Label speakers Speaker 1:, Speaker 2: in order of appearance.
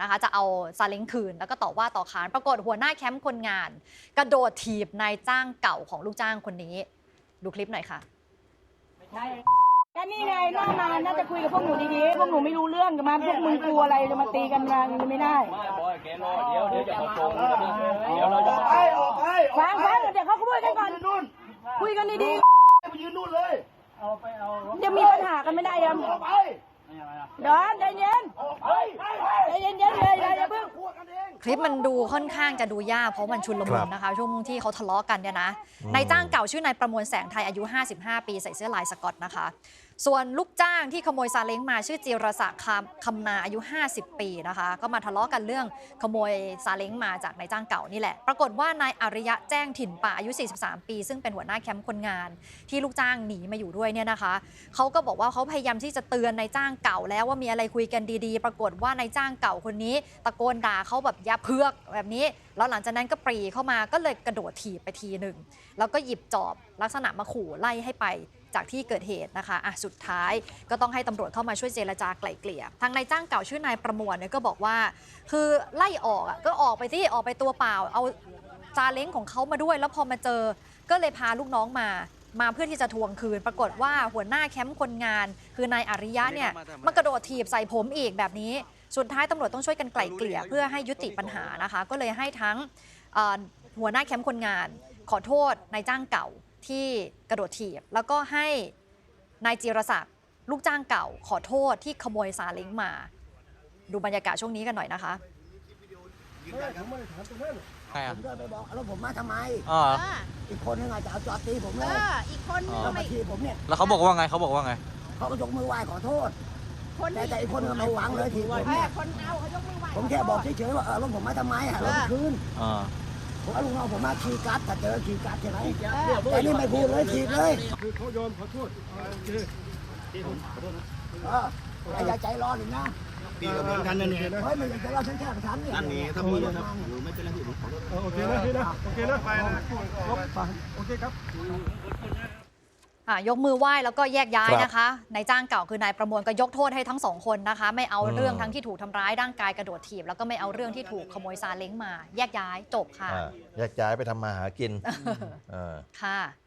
Speaker 1: นะคะจะเอาซาเล้งคืนแล้วก็ต่อว่าต่อขานปรากฏหัวหน้าแคมป์คนงานกระโดดถีบนายจ้างเก่าของลูกจ้างคนนี้ดูคลิปหน่อยค่ะ
Speaker 2: ก็นี่ไงน่ามาน่าจะคุยกับพวกหนูดีๆพวกหนูไม่รู้เรื่องกันมาพวกมึงกลัวอะไรจะมาตีกันมาไม่ได้เดี๋ยวจะมาโกงเดี๋ยวเราจะฟังเดี๋ยวเขาคุยกันก่อนคุยกันดีๆไปยืนนู่นเลยจะมีปัญหากันไม่ได้ยังเดี๋ยวใจเย็นใจเย็นเลยอย่าเพิ่ง
Speaker 1: คลิปมันดูค่อนข้างจะดูยากเพราะมันชุลมุนนะคะช่วงที่เขาทะเลาะกันเนี่ยนะนายจ้างเก่าชื่อนายประมวลแสงไทยอายุ55ปีใส่เสื้อลายสก๊อตนะคะส่วนลูกจ้างที่ขโมยซาเล้งมาชื่อจิรศักดิ์คำนาอายุ50ปีนะคะก็มาทะเลาะกันเรื่องขโมยซาเล้งมาจากนายจ้างเก่านี่แหละปรากฏว่านายอริยะแจ้งถิ่นป่าอายุ43ปีซึ่งเป็นหัวหน้าแคมป์คนงานที่ลูกจ้างหนีมาอยู่ด้วยเนี่ยนะคะเขาก็บอกว่าเขาพยายามที่จะเตือนนายจ้างเก่าแล้วว่ามีอะไรคุยกันดีๆปรากฏว่านายจ้างเก่าคนนี้ตะโกนด่าเขาแบบอย่าเพือกแบบนี้แล้วหลังจากนั้นก็ปรีเข้ามาก็เลยกระโดดถีบไปทีหนึ่งแล้วก็หยิบจอบลักษณะมาขู่ไล่ให้ไปจากที่เกิดเหตุนะคะสุดท้ายก็ต้องให้ตำรวจเข้ามาช่วยเจรจาไกล่เกลี่ยทางนายจ้างเก่าชื่อนายประมวลเนี่ยก็บอกว่าคือไล่ออกก็ออกไปที่ออกไปตัวเปล่าเอาซาเล้งของเขามาด้วยแล้วพอมาเจอก็เลยพาลูกน้องมาเพื่อที่จะทวงคืนปรากฏว่าหัวหน้าแคมป์คนงานคือนายอริยะเนี่ยมากระโดดถีบใส่ผมอีกแบบนี้สุดท้ายตำรวจต้องช่วยกันไกล่เกลี่ยเพื่อให้ยุติปัญหานะคะก็เลยให้ทั้งหัวหน้าแคมป์คนงานขอโทษนายจ้างเก่าที่กระโดดถีบแล้วก็ให้นายจิรศักดิ์ลูกจ้างเก่าขอโทษที่ขโมยซาเล้งมาดูบรรยากาศช่วงนี้กันหน่อยนะคะ
Speaker 3: ผมก็ไปบอกแล้วผมมาทำไมอีกคนนึงอาจจะเอาจอดตีผมเลย
Speaker 2: อีกคนนึง
Speaker 3: มาทีผมเนี่ย
Speaker 4: แล้วเขาบอกว่าไงเขาบอกว่าไง
Speaker 3: เขาก็ยกมือไหว้ขอโทษแต่อีกคนนึงไม่หวังเลยทีผมเนี่ยผมแค่บอกเฉยๆว่ารถผมมาทำไมรถคืนผมเอาลูกน้องผมมาขี่กัดถ้าเจอขี่กัดใช่ไหมแต่นี่ไม่พูดเลยขี่เลย
Speaker 5: คือเขายอมขอโทษโอเค
Speaker 3: ผมขอโทษนะอย่าใจร้อนอีกนะ
Speaker 5: ปีกับเหมือนกันนั่นเอง
Speaker 3: เฮ้ยมันจะเล่าฉันแค่ประทันเนี่ย
Speaker 5: อันนี้ถ้ามีนะไม่เป็นไรพี่ผมขอโทษโอเคนะพี่นะโอเคนะไปนะโอเคครับ
Speaker 1: ยกมือไหว้แล้วก็แยกย้ายนะคะนายจ้างเก่าคือนายประมวลก็ยกโทษให้ทั้งสองคนนะคะไม่เอาเรื่องทั้งที่ถูกทำร้ายร่างกายกระโดดถีบแล้วก็ไม่เอาเรื่องที่ถูกขโมยซาเล้งมาแยกย้ายจบค่ะ
Speaker 6: แยกย้ายไปทำมาหากิน
Speaker 1: ค่ะ